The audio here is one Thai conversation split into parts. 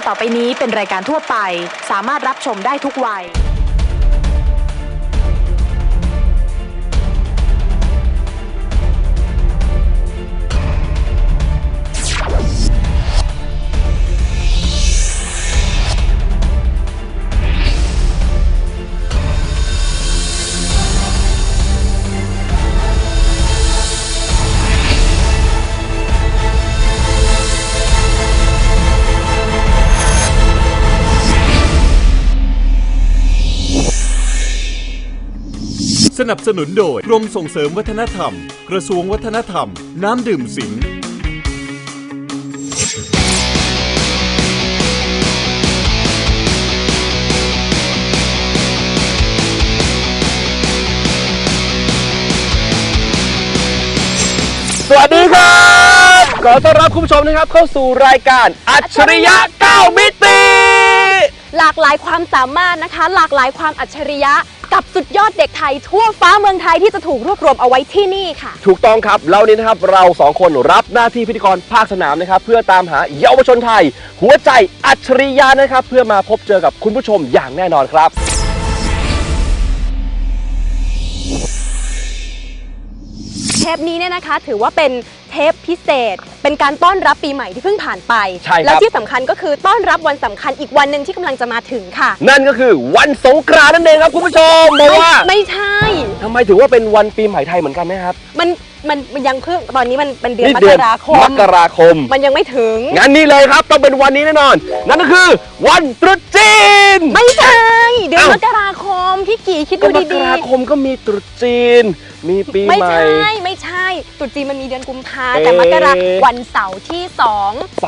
ต่อไปนี้เป็นรายการทั่วไปสามารถรับชมได้ทุกวัยสนับสนุนโดยกรมส่งเสริมวัฒนธรรมกระทรวงวัฒนธรรมน้ำดื่มสิงห์สวัสดีครับขอต้อนรับคุณผู้ชมนะครับเข้าสู่รายการอัจฉริยะ9มิติหลากหลายความสามารถนะคะหลากหลายความอัจฉริยะกับสุดยอดเด็กไทยทั่วฟ้าเมืองไทยที่จะถูกรวบรวมเอาไว้ที่นี่ค่ะถูกต้องครับแล้วนี้นะครับเรา2คนรับหน้าที่พิธีกรภาคสนามนะครับเพื่อตามหาเยาวชนไทยหัวใจอัจฉริยะนะครับเพื่อมาพบเจอกับคุณผู้ชมอย่างแน่นอนครับเทปนี้เนี่ยนะคะถือว่าเป็นเทปพิเศษเป็นการต้อนรับปีใหม่ที่เพิ่งผ่านไปและที่สำคัญก็คือต้อนรับวันสำคัญอีกวันหนึ่งที่กำลังจะมาถึงค่ะนั่นก็คือวันสงกรานต์นั่นเองครับคุณผู้ชมบอกว่าไม่ใช่ทำไมถือว่าเป็นวันปีใหม่ไทยเหมือนกันนะครับมันยังเพิ่งตอนนี้มันเป็นเดือนมกราคมมันยังไม่ถึงงั้นนี่เลยครับต้องเป็นวันนี้แน่นอนนั่นก็คือวันตรุษจีนไม่ใช่เดือนมกราคมพี่กี่คิดดูดีๆมกราคมก็มีตรุษจีนมีปีใหม่ไม่ใช่ตรุษจีนมันมีเดือนกุมภาแต่มกราวันเสาร์ที่2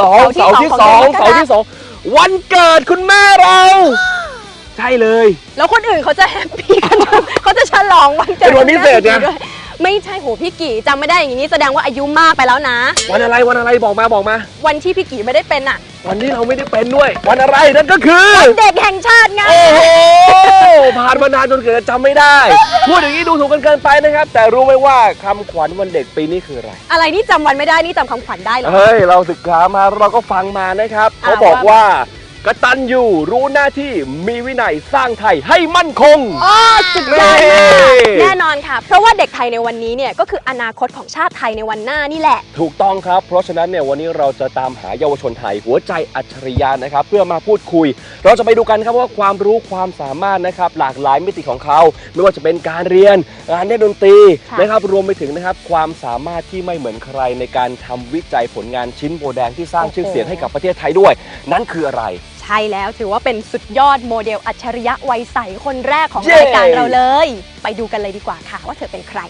วันเกิดคุณแม่เราใช่เลยแล้วคนอื่นเขาจะแฮปปี้กันเขาจะฉลองวันเกิดเป็นวันพิเศษไงไม่ใช่โหพี่กี่จำไม่ได้อย่างนี้แสดงว่าอายุมากไปแล้วนะวันอะไรบอกมาวันที่พี่กี่ไม่ได้เป็นอ่ะวันที่เราไม่ได้เป็นด้วยวันอะไรนั่นก็คือวันเด็กแห่งชาติไงโอ้โหผ่านมานานจนเกิดจำไม่ได้พูดอย่างนี้ดูถูกกันเกินไปนะครับแต่รู้ไหมว่าคำขวัญวันเด็กปีนี้คืออะไรนี่จำวันไม่ได้นี่จำคำขวัญได้เหรอเฮ้ยเราศึกษามาเราก็ฟังมานะครับเขาบอกว่ากตัญญูรู้หน้าที่มีวินัยสร้างไทยให้มั่นคงสุดยอดมากแน่นอนค่ะเพราะว่าเด็กไทยในวันนี้เนี่ยก็คืออนาคตของชาติไทยในวันหน้านี่แหละถูกต้องครับเพราะฉะนั้นเนี่ยวันนี้เราจะตามหาเยาวชนไทยหัวใจอัจฉริยะนะครับเพื่อมาพูดคุยเราจะไปดูกันครับว่าความรู้ความสามารถนะครับหลากหลายมิติของเขาไม่ว่าจะเป็นการเรียนการเล่นดนตรีนะครับรวมไปถึงนะครับความสามารถที่ไม่เหมือนใครในการทำวิจัยผลงานชิ้นโบแดงที่สร้างชื่อเสียงให้กับประเทศไทยด้วยนั่นคืออะไรใช่แล้วถือว่าเป็นสุดยอดโมเดลอัจฉริยะวัยใสคนแรกของรายการเราเลยไปดูกันเลยดีกว่าค่ะว่าเธอเป็นใคร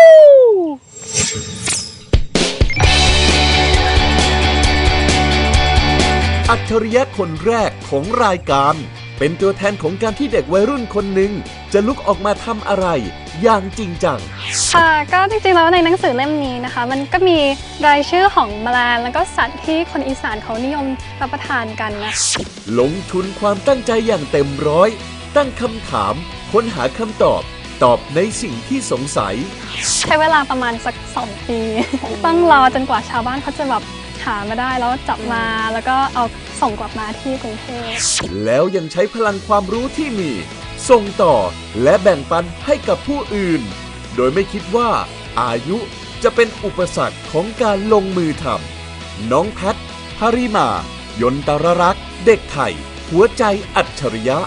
อัจฉริยะคนแรกของรายการเป็นตัวแทนของการที่เด็กวัยรุ่นคนหนึ่งจะลุกออกมาทำอะไรอย่างจริงจังค่ะก็จริงๆแล้วในหนังสือเล่มนี้นะคะมันก็มีรายชื่อของแมลงแล้วก็สัตว์ที่คนอีสานเขานิยมรับประทานกันนะลงทุนความตั้งใจอย่างเต็มร้อยตั้งคำถามค้นหาคำตอบในสิ่งที่สงสัยใช้เวลาประมาณสัก2 ปีต้องรอจนกว่าชาวบ้านเขาจะแบบหามาได้แล้วจับมาแล้วก็เอาส่งกลับมาที่กรุงเทพแล้วยังใช้พลังความรู้ที่มีส่งต่อและแบ่งปันให้กับผู้อื่นโดยไม่คิดว่าอายุจะเป็นอุปสรรคของการลงมือทำน้องแพทหริมายนตรรักษ์เด็กไทยหัวใจอัจฉริยะ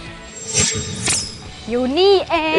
อยู่นี่เอง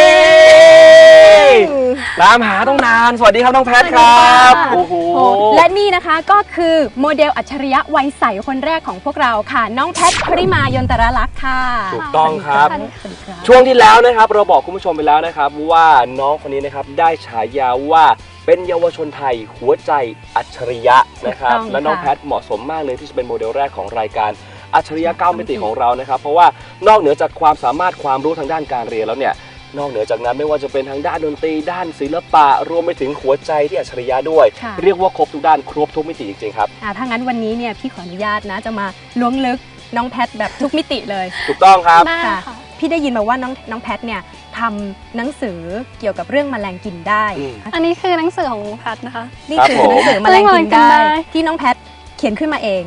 ตามหาต้องนานสวัสดีครับน้องแพทครับโอ้โหและนี่นะคะก็คือโมเดลอัจฉริยะวัยใสคนแรกของพวกเราค่ะน้องแพทหริมายนตรรักษ์ค่ะถูกต้องครับช่วงที่แล้วนะครับเราบอกคุณผู้ชมไปแล้วนะครับว่าน้องคนนี้นะครับได้ฉายาว่าเป็นเยาวชนไทยหัวใจอัจฉริยะนะครับและน้องแพทเหมาะสมมากเลยที่จะเป็นโมเดลแรกของรายการอัจฉริยะ9มิติของเรานะครับเพราะว่านอกเหนือจากความสามารถความรู้ทางด้านการเรียนแล้วเนี่ยนอกเหนือจากนั้นไม่ว่าจะเป็นทางด้านดนตรีด้านศิลปะรวมไปถึงหัวใจที่อัจฉริยะด้วยเรียกว่าครบทุกด้านครบทุกมิติจริงๆครับถ้างั้นวันนี้เนี่ยพี่ขออนุญาตนะจะมาล้วงลึกน้องแพทแบบทุกมิติเลยถูกต้องครับพี่ได้ยินมาว่าน้องแพทเนี่ยทำหนังสือเกี่ยวกับเรื่องแมลงกินได้อันนี้คือหนังสือของแพทนะคะนี่คือหนังสือแมลงกินได้ที่น้องแพทเขียนขึ้นมาเอง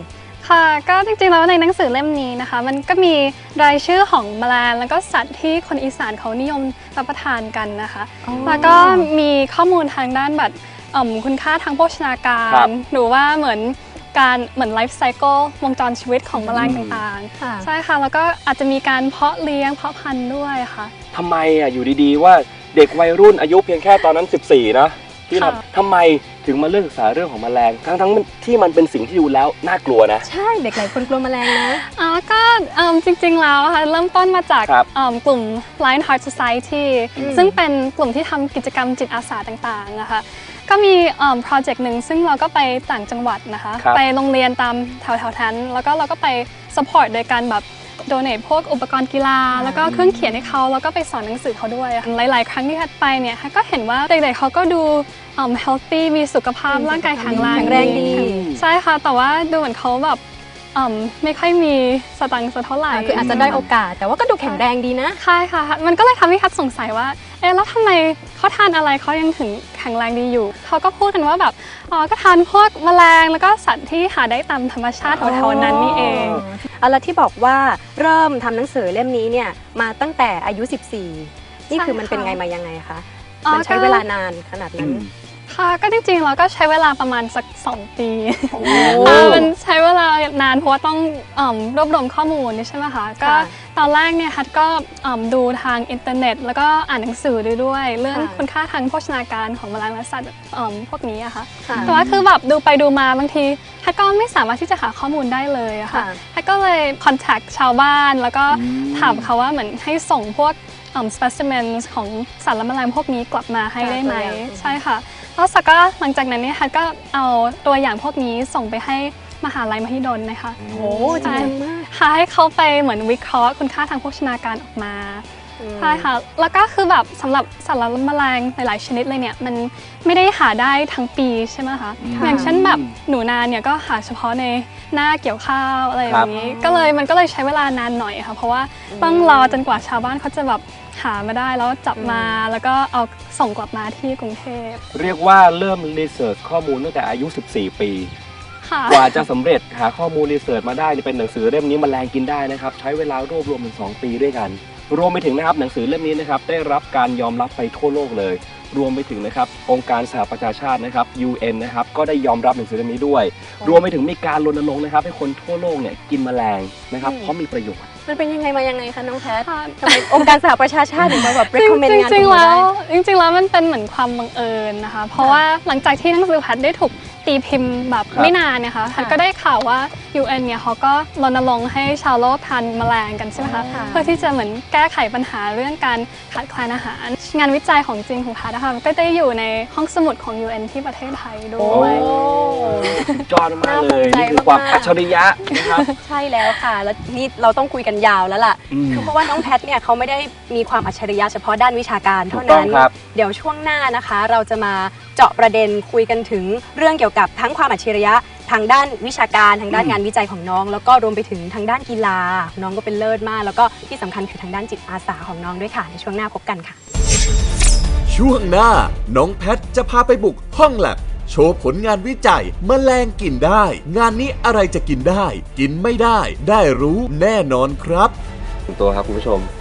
ค่ะก็จริงๆแล้วในหนังสือเล่มนี้นะคะมันก็มีรายชื่อของแมลงแล้วก็สัตว์ที่คนอีสานเขานิยมรับประทานกันนะคะแล้วก็มีข้อมูลทางด้านแบบคุณค่าทางโภชนาการหรือว่าเหมือนไลฟ์ไซเคิลวงจรชีวิตของแมลงต่างๆใช่ค่ะแล้วก็อาจจะมีการเพาะเลี้ยงเพาะพันธุ์ด้วยค่ะทำไมอยู่ดีๆว่าเด็กวัยรุ่นอายุเพียงแค่ตอนนั้น14นะที่ทำไมถึงมาเลือกศึกษาเรื่องของแมลงทั้งที่มันเป็นสิ่งที่ดูแล้วน่ากลัวนะใช่เด็กหลายคนกลัวแมลงนะก็จริงๆแล้วค่ะเริ่มต้นมาจากกลุ่ม Lionheart Society ซึ่งเป็นกลุ่มที่ทำกิจกรรมจิตอาสาต่างๆนะคะก็มีโปรเจกต์หนึ่งซึ่งเราก็ไปต่างจังหวัดนะคะไปโรงเรียนตามแถวๆนั้นแล้วก็เราก็ไป support โดยการแบบdonate พวกอุปกรณ์กีฬาแล้วก็เครื่องเขียนให้เขาแล้วก็ไปสอนหนังสือเขาด้วยหลายๆครั้งที่ทัดไปเนี่ยก็เห็นว่าเด็กๆเขาก็ดูhealthy มีสุขภาพร่างกายแข็งแรงดีใช่ค่ะแต่ว่าดูเหมือนเขาแบบไม่ค่อยมีสตังค์สักเท่าไหร่คืออาจจะได้โอกาสแต่ว่าก็ดูแข็งแรงดีนะใช่ค่ะมันก็เลยทำให้ทัดสงสัยว่าแล้วทำไมเขาทานอะไรเขายังถึงแข็งแรงดีอยู่เขาก็พูดกันว่าแบบก็ทานพวกแมลงแล้วก็สัตว์ที่หาได้ตามธรรมชาติแถวๆนั้นนี่เองแล้วที่บอกว่าเริ่มทำหนังสือเล่มนี้เนี่ยมาตั้งแต่อายุ14นี่คือมันเป็นไงมายังไงคะมันใช้เวลานานขนาดนั้นค่ะก็จริงๆเราก็ใช้เวลาประมาณสัก2 ปีมันใช้เวลานานเพราะว่าต้องรวบรวมข้อมูลใช่ไหมคะก็ตอนแรกเนี่ยฮัทก็ดูทางอินเทอร์เน็ตแล้วก็อ่านหนังสือด้วยเรื่องคุณค่าทางโภชนาการของแมลงและสัตว์พวกนี้อะค่ะแต่ว่าคือแบบดูไปดูมาบางทีฮัทก็ไม่สามารถที่จะหาข้อมูลได้เลยอะค่ะฮัทก็เลยคอนแทคชาวบ้านแล้วก็ถามเขาว่าเหมือนให้ส่งพวกspecimens ของสัตว์และแมลงพวกนี้กลับมาให้ได้ไหมใช่ค่ะแล้วสักก็หลังจากนั้นเนี่ยฮัทก็เอาตัวอย่างพวกนี้ส่งไปให้มหาลัยมหิดลนะคะโอ้จริงมากให้เขาไปเหมือนวิเคราะห์คุณค่าทางโภชนาการออกมาใช่ค่ะแล้วก็คือแบบสำหรับสัตว์และแมลงหลายๆชนิดเลยเนี่ยมันไม่ได้หาได้ทั้งปีใช่ไหมคะอย่างเช่นแบบหนูนาเนี่ยก็หาเฉพาะในหน้าเกี่ยวข้าวอะไรอย่างนี้มันก็เลยใช้เวลานานหน่อยค่ะเพราะว่าต้องรอจนกว่าชาวบ้านเขาจะแบบหามาได้แล้วจับมาแล้วก็เอาส่งกลับมาที่กรุงเทพเรียกว่าเริ่มรีเสิร์ชข้อมูลตั้งแต่อายุ14 ปีกว่าจะสำเร็จหาข้อมูลรีเสิร์ชมาได้เป็นหนังสือเล่มนี้แมลงกินได้นะครับใช้เวลารวบรวมถึง2 ปีด้วยกันรวมไปถึงนะครับหนังสือเล่มนี้นะครับได้รับการยอมรับไปทั่วโลกเลยรวมไปถึงนะครับองค์การสหประชาชาตินะครับ UN นะครับก็ได้ยอมรับหนังสือเล่มนี้ด้วยรวมไปถึงมีการรณรงค์นะครับให้คนทั่วโลกเนี่ยกินแมลงนะครับเพราะมีประโยชน์มันเป็นยังไงมายังไงคะน้องแพททำไมองค์การสหประชาชาติถึงมาแบบ recommend งานนี้ได้จริงๆแล้วมันเป็นเหมือนความบังเอิญนะคะเพราะว่าหลังจากที่หนังสือแพทได้ถูกตีพิมพ์แบบไม่นานนะคะแพทก็ได้ข่าวว่า UN เนี่ยเขาก็รณรงค์ให้ชาวโลกทานแมลงกันใช่ไหมคะเพื่อที่จะเหมือนแก้ไขปัญหาเรื่องการขาดแคลนอาหารงานวิจัยของจริงของแพทนะคะก็ได้อยู่ในห้องสมุดของ UN ที่ประเทศไทยด้วยจอดมากเลยนี่คือความอัจฉริยะนะครับใช่แล้วค่ะแล้วนี่เราต้องคุยกันยาวแล้วล่ะคือเพราะว่าน้องแพทเนี่ยเขาไม่ได้มีความอัจฉริยะเฉพาะด้านวิชาการเท่านั้นเดี๋ยวช่วงหน้านะคะเราจะมาเจาะประเด็นคุยกันถึงเรื่องเกี่ยวกับทั้งความอัจฉริยะทางด้านวิชาการทางด้านงานวิจัยของน้องแล้วก็รวมไปถึงทางด้านกีฬาน้องก็เป็นเลิศมากแล้วก็ที่สำคัญคือทางด้านจิตอาสาของน้องด้วยค่ะในช่วงหน้าพบกันค่ะช่วงหน้าน้องแพทจะพาไปบุกห้องแลบโชว์ผลงานวิจัยแมลงกินได้งานนี้อะไรจะกินได้กินไม่ได้ได้รู้แน่นอนครับตัวครับคุณผู้ชม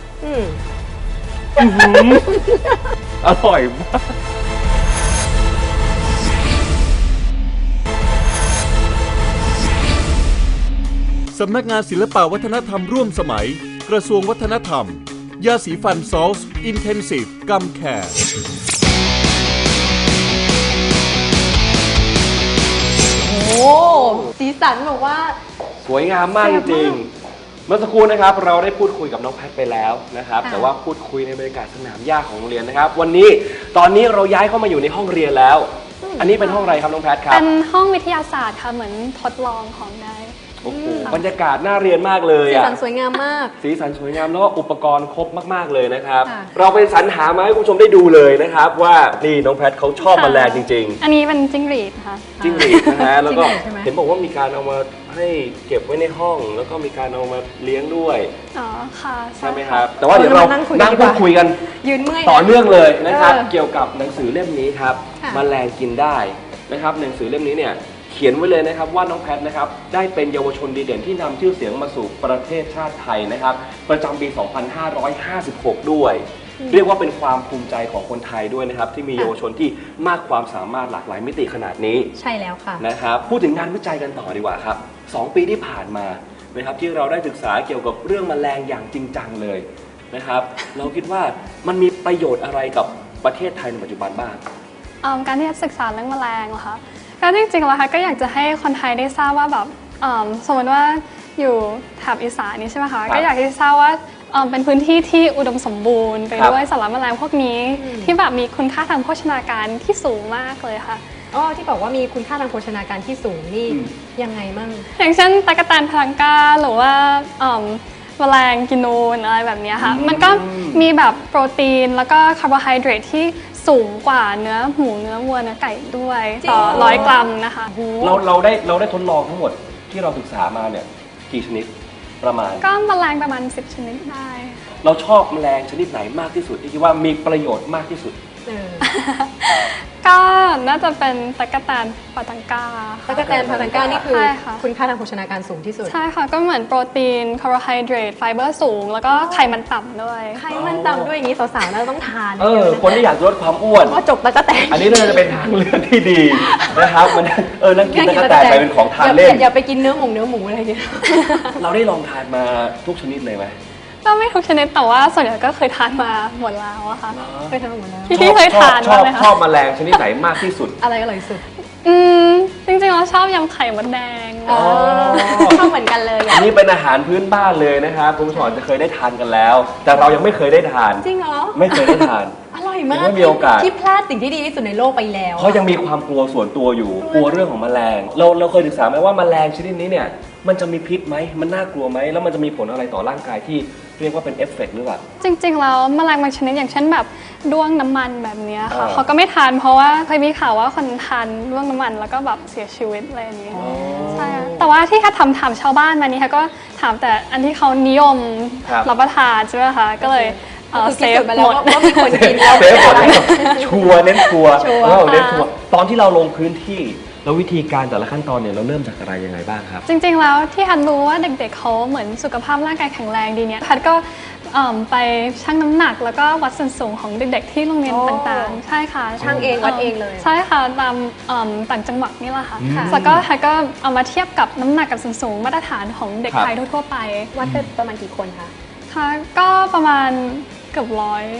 อร่อยมากสำนักงานศิลปวัฒนธรรมร่วมสมัยกระทรวงวัฒนธรรมยาสีฟันซอลส์อินเทนซีฟกัมแคร์โอ้สีสันแบบว่าสวยงามมากจริงเมื่อสักครู่นะครับเราได้พูดคุยกับน้องแพทไปแล้วนะครับแต่ว่าพูดคุยในบรรยากาศสนามหญ้าของโรงเรียนนะครับวันนี้ตอนนี้เราย้ายเข้ามาอยู่ในห้องเรียนแล้วอันนี้เป็นห้องอะไรครับน้องแพทครับเป็นห้องวิทยาศาสตร์ค่ะเหมือนทดลองของได้โอ้โหบรรยากาศน่าเรียนมากเลยสีสันสวยงามมากสีสันสวยงามแล้วก็อุปกรณ์ครบมากๆเลยนะครับเราไปสรรหามาให้คุณผู้ชมได้ดูเลยนะครับว่านี่น้องแพทเขาชอบแมลงจริงๆอันนี้เป็นจิ้งหรีดค่ะจิ้งหรีดนะฮะแล้วก็เห็นบอกว่ามีการเอามาให้เก็บไว้ในห้องแล้วก็มีการเอามาเลี้ยงด้วยอ๋อค่ะใช่ไหมครับแต่ว่าเดี๋ยวเรานั่งพูดคุยกันยืนเมื่อยต่อเนื่องเลยนะครับเกี่ยวกับหนังสือเล่มนี้ครับแมลงกินได้นะครับหนังสือเล่มนี้เนี่ยเขียนไว้เลยนะครับว่าน้องแพทนะครับได้เป็นเยาวชนดีเด่นที่นำชื่อเสียงมาสู่ประเทศชาติไทยนะครับประจำปี 2556 ด้วย เรียกว่าเป็นความภูมิใจของคนไทยด้วยนะครับที่มีเยาวชนที่มากความสามารถหลากหลายมิติขนาดนี้ใช่แล้วค่ะนะครับพูดถึงงานวิจัยกันต่อดีกว่าครับ2 ปีที่ผ่านมานะครับที่เราได้ศึกษาเกี่ยวกับเรื่องแมลงอย่างจริงจังเลยนะครับเราคิดว่ามันมีประโยชน์อะไรกับประเทศไทยในปัจจุบันบ้างการที่ศึกษาเรื่องแมลงเหรอคะก็จริงๆแล้วค่ะก็อยากจะให้คนไทยได้ทราบว่าแบบสมมติว่าอยู่แถบอีสานนี้ใช่ไหมคะก็อยากให้ทราบว่าเป็นพื้นที่ที่อุดมสมบูรณ์ไปด้วยสารแมลงพวกนี้ที่แบบมีคุณค่าทางโภชนาการที่สูงมากเลยค่ะที่บอกว่ามีคุณค่าทางโภชนาการที่สูงนี่ยังไงมั่งอย่างเช่นตั๊กแตนพลังกาหรือว่าแมลงกินูนอะไรแบบนี้ค่ะมันก็มีแบบโปรตีนแล้วก็คาร์โบไฮเดรตที่สูงกว่าเนื้อหมูเนื้อวัวเนื้อไก่ด้วยต่อ100 กรัมนะคะเราได้ทดลองทั้งหมดที่เราศึกษามาเนี่ยกี่ชนิดประมาณก็แมลงประมาณ10 ชนิดได้เราชอบแมลงชนิดไหนมากที่สุดที่คิดว่ามีประโยชน์มากที่สุดก็น่าจะเป็นตั๊กแตนพาตังกาตั๊กแตนพาตังกานี่คือคุณค่าทางโภชนาการสูงที่สุดใช่ค่ะก็เหมือนโปรตีนคาร์โบไฮเดรตไฟเบอร์สูงแล้วก็ไขมันต่ำด้วยไขมันต่ำด้วยอย่างนี้สาวๆน่าจะต้องทานคนที่อยากลดความอ้วนก็จบตั๊กแตนอันนี้น่าจะเป็นทางเลือกที่ดีนะครับมันนั่งกินตั๊กแตนไปเป็นของทานเล่นอย่าไปกินเนื้อหมูอะไรเงี้ยเราได้ลองทานมาทุกชนิดเลยไหมก็ไม่ทุกชนิดแต่ว่าส่วนใหญ่ก็เคยทานมาหมดแล้วอะค่ะเคยทานหมดแล้วพี่เคยทานไหมคะชอบแมลงชนิดไหนมากที่สุดอะไรอร่อยสุดจริงๆเราชอบยำไข่มดแดงชอบเหมือนกันเลยอันนี้เป็นอาหารพื้นบ้านเลยนะครับคุณผู้ชมจะเคยได้ทานกันแล้วแต่เรายังไม่เคยได้ทานจริงเหรอไม่เคยได้ทานอร่อยมากไม่มีโอกาสที่พลาดสิ่งที่ดีที่สุดในโลกไปแล้วเพราะยังมีความกลัวส่วนตัวอยู่กลัวเรื่องของแมลงเราเคยศึกษาไหมว่าแมลงชนิดนี้เนี่ยมันจะมีพิษไหมมันน่ากลัวไหมแล้วมันจะมีผลอะไรต่อร่างกายที่เรียกว่าเป็นเอฟเฟกต์หรือเปล่าจริงๆแล้วแมลงบางชนิดอย่างเช่นแบบด้วงน้ำมันแบบนี้ค่ะเขาก็ไม่ทานเพราะว่าเคยมีข่าวว่าคนทานด้วงน้ำมันแล้วก็แบบเสียชีวิตอะไรอย่างนี้ใช่แต่ว่าที่ค่ะถามชาวบ้านมานี้ค่ะก็ถามแต่อันที่เขานิยมรับประทานใช่ไหมคะก็เลยเซฟหมดว่ามีคนกินแล้วเซฟหมดชัวร์เน้นชัวร์ตอนที่เราลงพื้นที่แล้ววิธีการแต่ละขั้นตอนเนี่ยเราเริ่มจากอะไรยังไงบ้างครับจริงๆแล้วที่ฮันรู้ว่าเด็กๆเขาเหมือนสุขภาพร่างกายแข็งแรงดีเนี่ยฮันก็ไปชั่งน้ำหนักแล้วก็วัดส่วนสูงของเด็กๆที่โรงเรียนต่างๆใช่ค่ะชั่งเองวัดเองเลยใช่ค่ะตามต่างจังหวัดนี่แหละค่ะแล้วก็ฮันก็เอามาเทียบกับน้ำหนักกับส่วนสูงมาตรฐานของเด็กไทยทั่วๆไปวัดเป็นประมาณกี่คนคะค่ะก็ประมาณเกือบ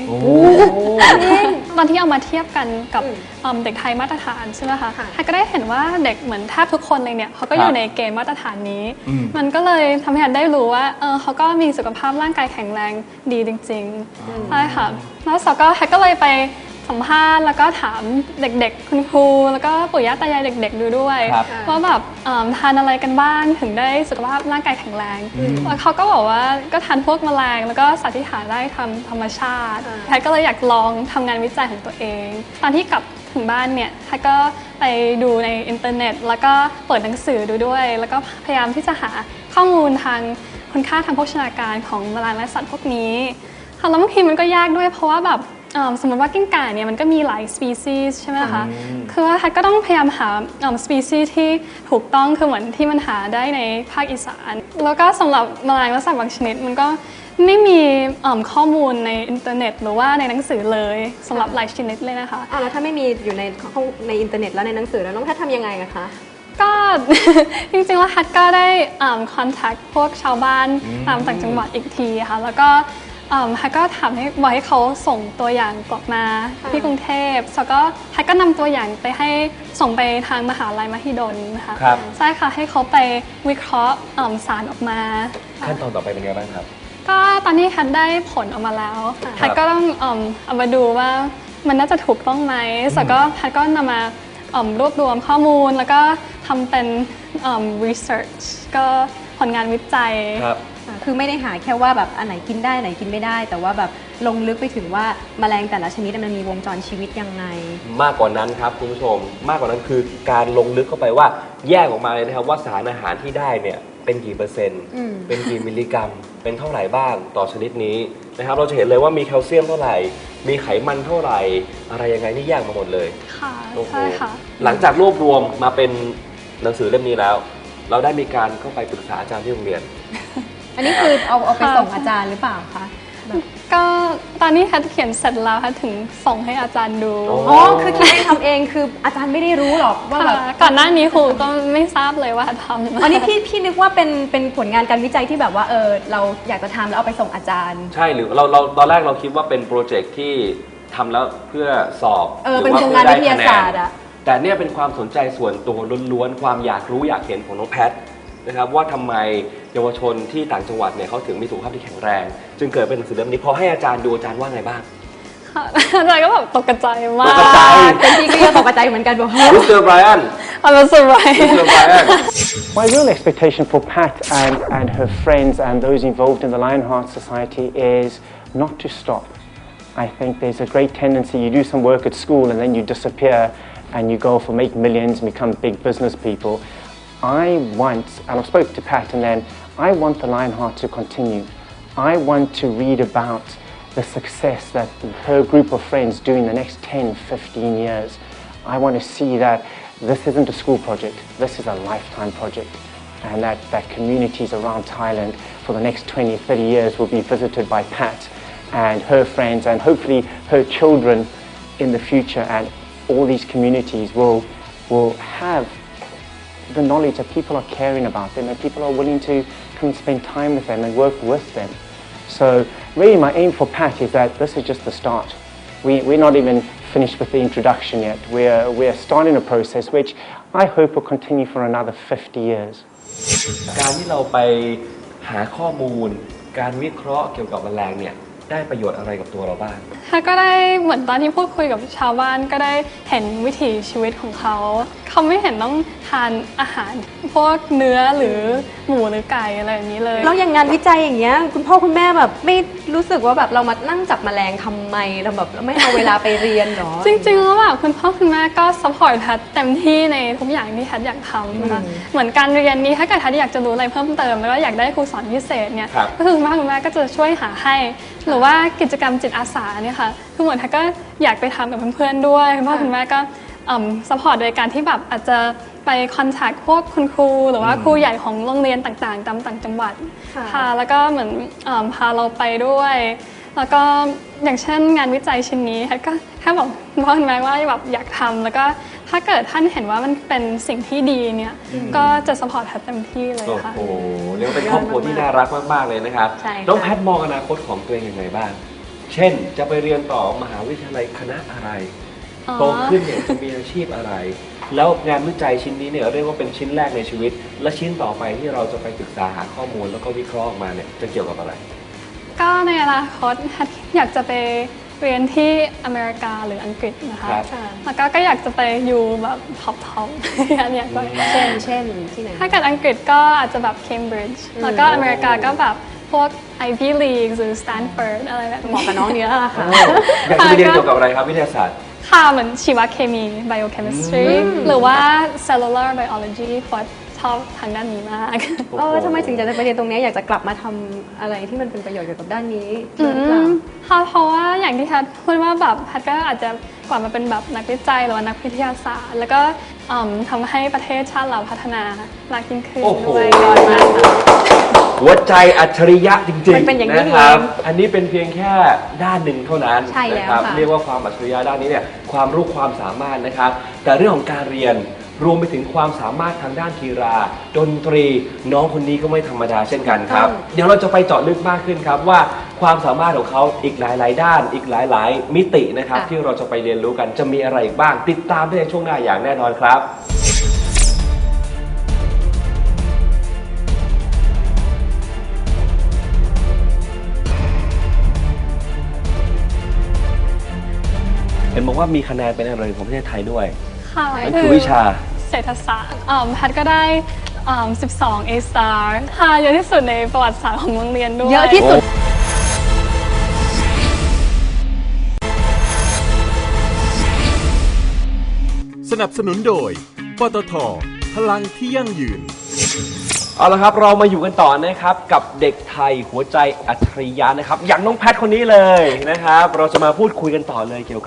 100ตอนที่เอามาเทียบกันกับเด็กไทยมาตรฐานใช่ไหมคะฮันก็ได้เห็นว่าเด็กเหมือนแทบทุกคนเลยเนี่ยเขาก็อยู่ในเกณฑ์มาตรฐานนี้มันก็เลยทำให้ฮันได้รู้ว่าเขาก็มีสุขภาพร่างกายแข็งแรงดีจริงๆใช่ค่ะแล้วฮันก็เลยไปสัมภาษณ์แล้วก็ถามเด็กๆคุณครูแล้วก็ปู่ย่าตายายเด็กๆดูด้วยว่าแบบทานอะไรกันบ้างถึงได้สุขภาพร่างกายแข็งแรงแล้วเขาก็บอกว่าก็ทานพวกแมลงแล้วก็สัตว์ที่หาได้ทำธรรมชาติแพทก็เลยอยากลองทำงานวิจัยของตัวเองตอนที่กลับถึงบ้านเนี่ยแพทก็ไปดูในอินเทอร์เน็ตแล้วก็เปิดหนังสือดูด้วยแล้วก็พยายามที่จะหาข้อมูลทางคุณค่าทางโภชนาการของแมลงและสัตว์พวกนี้แล้วบางทีมันก็ยากด้วยเพราะว่าแบบสมมติว่ากิ้งก่าเนี่ยมันก็มีหลายสปีซีส์ใช่ไหมคะคือว่าแพทก็ต้องพยายามหาสปีซีส์ที่ถูกต้องคือเหมือนที่มันหาได้ในภาคอีสานแล้วก็สำหรับแมลงและสัตว์บางชนิดมันก็ไม่มีข้อมูลในอินเทอร์เน็ตหรือว่าในหนังสือเลยสำหรับหลายชนิดเลยนะคะแล้วถ้าไม่มีอยู่ในอินเทอร์เน็ตแล้วในหนังสือแล้วน้องแพททำยังไงอะคะก็ จริงๆแล้วแพทก็ได้คอนแทคพวกชาวบ้านตามต่างจังหวัดอีกทีค่ะแล้วก็ฮักก็ถามบอกให้เขาส่งตัวอย่างกลับมาที่กรุงเทพแล้วก็ฮักก็นำตัวอย่างไปให้ส่งไปทางมหาลัยมหิดลนะคะใช่ค่ะให้เขาไปวิเคราะห์สารออกมาขั้นตอนต่อไปเป็นไงบ้างครับก็ตอนนี้ฮักได้ผลออกมาแล้วฮักก็ต้องเอามาดูว่ามันน่าจะถูกต้องไหมแล้วก็ฮักก็นำมารวบรวมข้อมูลแล้วก็ทำเป็นresearch ก็ผลงานวิจัยคือไม่ได้หาแค่ว่าแบบอันไหนกินได้ไหนกินไม่ได้แต่ว่าแบบลงลึกไปถึงว่าแมลงแต่ละชนิดมันมีวงจรชีวิตยังไงมากกว่านั้นครับคุณผู้ชมมากกว่านั้นคือการลงลึกเข้าไปว่าแยกออกมาเลยนะครับว่าสารอาหารที่ได้เนี่ยเป็นกี่เปอร์เซ็นต์เป็นกี่มิลลิกรัมเป็นเท่าไหร่บ้างต่อชนิดนี้นะครับเราจะเห็นเลยว่ามีแคลเซียมเท่าไหร่มีไขมันเท่าไหร่อะไรยังไงนี่แยกมาหมดเลยค่ะใช่ค่ะหลังจากรวบรวมมาเป็นหนังสือเล่มนี้แล้ว เราได้มีการเข้าไปปรึกษาอาจารย์ที่โรงเรียนอันนี้คือเอาไปส่งอาจารย์หรือเปล่าคะแบบก็ตอนนี้แพทเขียนเสร็จแล้วแพทถึงส่งให้อาจารย์ดูอ๋อคือคิดเองทำเองคืออาจารย์ไม่ได้รู้หรอกว่าแบบก่อนหน้านี้ครูก็ไม่ทราบเลยว่าทำอันนี้พี่นึกว่าเป็นผลงานการวิจัยที่แบบว่าเราอยากจะทำแล้วเอาไปส่งอาจารย์ใช่หรือเราตอนแรกเราคิดว่าเป็นโปรเจกต์ที่ทำแล้วเพื่อสอบเป็นโครงงานวิทยาศาสตร์อะแต่เนี่ยเป็นความสนใจส่วนตัวล้วนๆความอยากรู้อยากเห็นของน้องแพทนะครับว่าทำไมเยาวชนที่ต่างจังหวัดเนี่ยเขาถึงมีสุขภาพที่แข็งแรง จึงเกิดเป็นหนังสือเล่มนี้พอให้อาจารย์ดูอาจารย์ว่าไงบ้างค่ะอาจารย์ก็แบบตกใจมากตกใจเป็นพี่ก็ยังตกใจเหมือนกันบอกมิสเตอร์ไบรอัน I was มิส surprised เตอร์ไบรอัน My real expectation for Pat and her friends and those involved in the Lionheart Society is not to stop. I think there's a great tendency you do some work at school and then you disappear and you go for make millions and become big business people. I want, and I spoke to Pat and then, I want the Lionheart to continue. I want to read about the success that her group of friends do in the next 10, 15 years. I want to see that this isn't a school project, this is a lifetime project. And that communities around Thailand for the next 20, 30 years will be visited by Pat and her friends and hopefully her children in the future, and all these communities will have the knowledge that people are caring about them and people are willing to come and spend time with them and work with them. So really my aim for Pat is that this is just the start. We're not even finished with the introduction yet. We're starting a process which I hope will continue for another 50 years. การที่เราไปหาข้อมูลการวิเคราะห์เกี่ยวกับแมลงเนี่ยได้ประโยชน์อะไรกับตัวเราบ้างก็ได้เหมือนตอนที่พูดคุยกับชาวบ้านก็ได้เห็นวิถีชีวิตของเขาไม่เห็นต้องทานอาหารพวกเนื้อหรือหมูหรือไก่อะไรแบบนี้เลยแล้วอย่างงานวิจัยอย่างเงี้ยคุณพ่อคุณแม่แบบไม่รู้สึกว่าแบบเรามานั่งจับแมลงทำไมเราแบบเราไม่เอาเวลาไปเรียนหรอจริงๆแล้วแบบคุณพ่อคุณแม่ก็ซัพพอร์ตแพทเต็มที่ในทุกอย่างที่แพทอยากทำนะคะเหมือนการเรียนนี้ถ้าเกิดแพทอยากจะรู้อะไรเพิ่มเติมแล้วก็อยากได้ครูสอนพิเศษเนี่ยครับก็คือคุณพ่อคุณแม่ก็จะช่วยหาให้หรือว่ากิจกรรมจิตอาสาเนี่ยค่ะคือเหมือนแพทก็อยากไปทำกับเพื่อนๆด้วยคุณพ่อคุณแม่ก็ซัพพอร์ตโดยการที่แบบอาจจะไปคอนแทคพวกคุณครูหรือว่าครูใหญ่ของโรงเรียนต่างๆตามต่างจังหวัดค่ะแล้วก็เหมือนพาเราไปด้วยแล้วก็อย่างเช่นงานวิจัยชิ้นนี้ก็แค่บอกคุณพ่อคุณแม่ว่าแบบอยากทำแล้วก็ถ้าเกิดท่านเห็นว่ามันเป็นสิ่งที่ดีเนี่ยก็จะสปอร์ตแพทเต็มที่เลยค่ะโอ้โหเรียกว่าเป็นครอบครัวที่น่ารักมากๆเลยนะครับใช่ค่ะน้องแพทมองอนาคตของตัวเองยังไงบ้างเช่นจะไปเรียนต่อมหาวิทยาลัยคณะอะไรโตขึ้นเนี่ยจะมีอาชีพอะไร แล้วงานวิจัยชิ้นนี้เนี่ยเรียกว่าเป็นชิ้นแรกในชีวิต และชิ้นต่อไปที่เราจะไปศึกษาหาข้อมูลแล้วก็วิเคราะห์ออกมาเนี่ยจะเกี่ยวกับอะไรก็ในอนาคตแพทอยากจะไปเรียนที่อเมริกาหรืออังกฤษนะคะครับแล้วก็อยากจะไปอยู่แบบท็อปอยากไปเช่นที่ไหนถ้าเกิดอังกฤษก็อาจจะแบบเคมบริดจ์แล้วก็อเมริกาก็แบบพวก Ivy League หรือ Stanford อะไรแบบเหมาะนี้กับน้องเนี้ยแหละค่ะอยากจะไปเรียนเกี่ยวกับอะไรครับวิทยาศาสตร์ค่ะเหมือนชีวเคมี biochemistry หรือว่า cellular biology เพราะชอบทางด้านนี้มากทำไมถึงอยากจะไปเรียนตรงนี้อยากจะกลับมาทำอะไรที่มันเป็นประโยชน์เกี่ยวกับด้านนี้หรือเปล่าค่ะเพราะว่าอย่างที่แพทพูดว่าแบบแพทก็อาจจะกลับมาเป็นแบบนักวิจัยหรือว่านักวิทยาศาสตร์ แล้วก็ทำให้ประเทศชาติเราพัฒนามากยิ่งขึ้นโอ้โหด้วยก่อนมาค่ะหัวใจอัจฉริยะจริงมันเป็นอย่างนี้ๆนี่นะครับเองอันนี้เป็นเพียงแค่ด้านหนึ่งเท่านั้นใช่แล้วนะครับค่ะเรียกว่าความอัจฉริยะด้านนี้เนี่ยความรู้ความสามารถนะครับ แต่เรื่องของการเรียนรวมไปถึงความสามารถทางด้านกีฬาดนตรีน้องคนนี้ก็ไม่ธรรมดาเช่นกันครับ เดี๋ยวเราจะไปเจาะลึกมากขึ้นครับว่าความสามารถของเขาอีกหลายๆด้านอีกหลายๆมิตินะครับที่เราจะไปเรียนรู้กันจะมีอะไรอีกบ้างติดตามได้ในช่วงหน้าอย่างแน่นอนครับ เห็นบอกว่ามีคะแนนเป็นอะไรของประเทศไทยด้วยค่ะนั่นคือวิชาเศรษฐศาสตร์แพทก็ได้12 A star ค่ะเยอะที่สุดในประวัติศาสตร์ของโรงเรียนด้วยเยอะที่สุดสนับสนุนโดยปตท.พลังที่ยั่งยืนเอาละครับเรามาอยู่กันต่อนะครับกับเด็กไทยหัวใจอัจฉริยะนะครับอย่างน้องแพทคนนี้เลยนะครับเราจะมาพูดคุยกันต่อเลยเกี่ยวกับ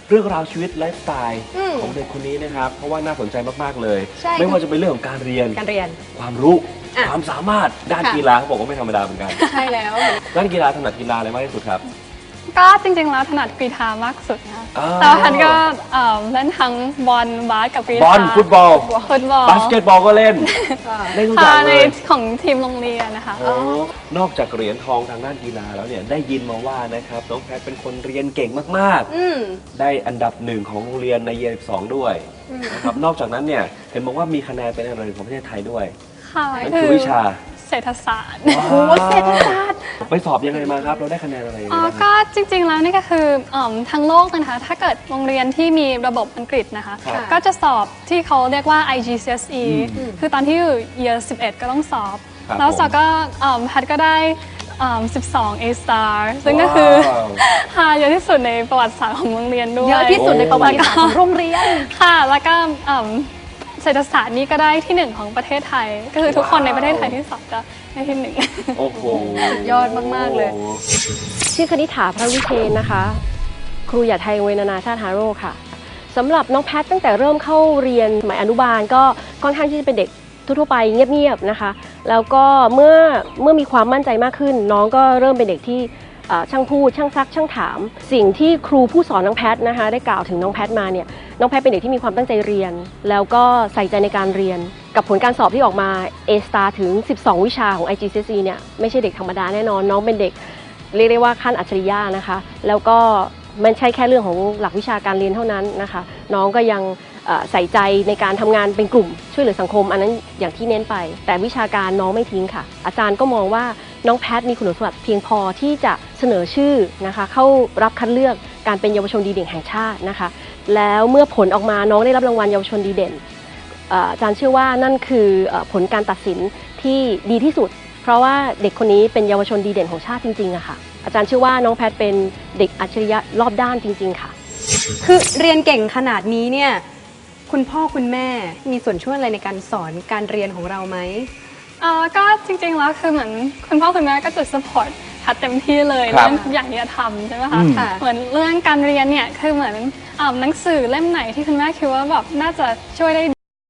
เรื่องราวชีวิตไลฟ์สไตล์ของเด็กคนนี้นะครับเพราะว่าน่าสนใจมากๆเลยใช่ไม่ว่าจะเป็นเรื่องของการเรียน ความรู้ความสามารถด้านกีฬาเขาบอกว่าไม่ธรรมดาเหมือนกันใช่แล้วด้านกีฬาถนัดกีฬาอะไรมากที่สุดครับก็จริงๆแล้วถนัดกรีฑามากสุดนะอ้าวแต่ว่าพันก็เล่นทั้งบอลบาสกับกรีฑาบอลฟุตบอลฟุตบอลบาสเกตบอลก็เล่นเล่นทุกอย่างในเลยของทีมโรงเรียนนะคะโอ้นอกจากเหรียญทองทางด้านกีฬาแล้วเนี่ยได้ยินมาว่านะครับน้องแพทเป็นคนเรียนเก่งมากๆได้อันดับหนึ่งของโรงเรียนในเยียร์12ด้วยนะครับนอกจากนั้นเนี่ยเห็นบอกว่ามีคะแนนเป็นอันดับหนึ่งของประเทศไทยด้วยค่ะนั่นคือวิชาเศรษฐศาสตร์โอ้เศรษฐศาสตร์ไปสอบยังไงมาครับเราได้คะแนนอะไรยังไงบ้างครับก็จริงๆแล้วนี่ก็คือทั้งโลกนะคะถ้าเกิดโรงเรียนที่มีระบบอังกฤษนะคะครับก็จะสอบที่เขาเรียกว่า IGCSE คือตอนที่อยู่ year 11 ก็ต้องสอบครับแล้วสอบก็แพทก็ได้12 A star ซึ่งก็คือว้าวเยอะที่สุดในประวัติศาสตร์ของโรงเรียนด้วยเยอะที่สุดในประวัติศาสตร์ของโรงเรียนค่ะ แล้วก็เศรษฐศาสตร์นี่ก็ได้ที่หนึ่งของประเทศไทย ก็คือทุกคนในประเทศไทยที่สอบจะได้ที่หนึ่งโอ้โหยอดมากๆเลยชื่อคณิษฐาพระวิเชนนะคะ ครูหยาดไทยโรงเรียนนานาชาติฮาโร่ค่ะสำหรับน้องแพทตั้งแต่เริ่มเข้าเรียนสมัยอนุบาลก็ค่อนข้างที่จะเป็นเด็กทั่วๆไปเงียบๆนะคะ แล้วก็เมื่อมีความมั่นใจมากขึ้น น้องก็เริ่มเป็นเด็กที่ช่างพูดช่างซักช่างถาม สิ่งที่ครูผู้สอนน้องแพทนะคะได้กล่าวถึงน้องแพทมาเนี่ยน้องแพทเป็นเด็กที่มีความตั้งใจเรียน แล้วก็ใส่ใจในการเรียน กับผลการสอบที่ออกมา A star ถึง 12 วิชาของ IGCSE เนี่ยไม่ใช่เด็กธรรมดาแน่นอนน้องเป็นเด็กเรียกได้ว่าขั้นอัจฉริยะนะคะแล้วก็มันใช่แค่เรื่องของหลักวิชาการเรียนเท่านั้นนะคะน้องก็ยังใส่ใจในการทำงานเป็นกลุ่มช่วยเหลือสังคมอันนั้นอย่างที่เน้นไปแต่วิชาการน้องไม่ทิ้งค่ะอาจารย์ก็มองว่าน้องแพทมีคุณสมบัติเพียงพอที่จะเสนอชื่อนะคะเข้ารับคัดเลือกการเป็นเยาวชนดีเด่นแห่งชาตินะคะแล้วเมื่อผลออกมาน้องได้รับรางวัลเยาวชนดีเด่นอาจารย์เชื่อว่านั่นคือผลการตัดสินที่ดีที่สุดเพราะว่าเด็กคนนี้เป็นเยาวชนดีเด่นของชาติจริงๆอะค่ะอาจารย์เชื่อว่าน้องแพทเป็นเด็กอัจฉริยะรอบด้านจริงๆค่ะคือเรียนเก่งขนาดนี้เนี่ยคุณพ่อคุณแม่มีส่วนช่วยอะไรในการสอนการเรียนของเราไหมก็จริงๆแล้วคือเหมือนคุณพ่อคุณแม่ก็จะ support พัดเต็มที่เลยครับเรื่องทุกอย่างที่จะทำใช่ไหมคะค่ะเหมือนเรื่องการเรียนเนี่ยคือเหมือนหนังสือเล่มไหนที่คุณแม่คิดว่าแบบน่าจะช่วยได้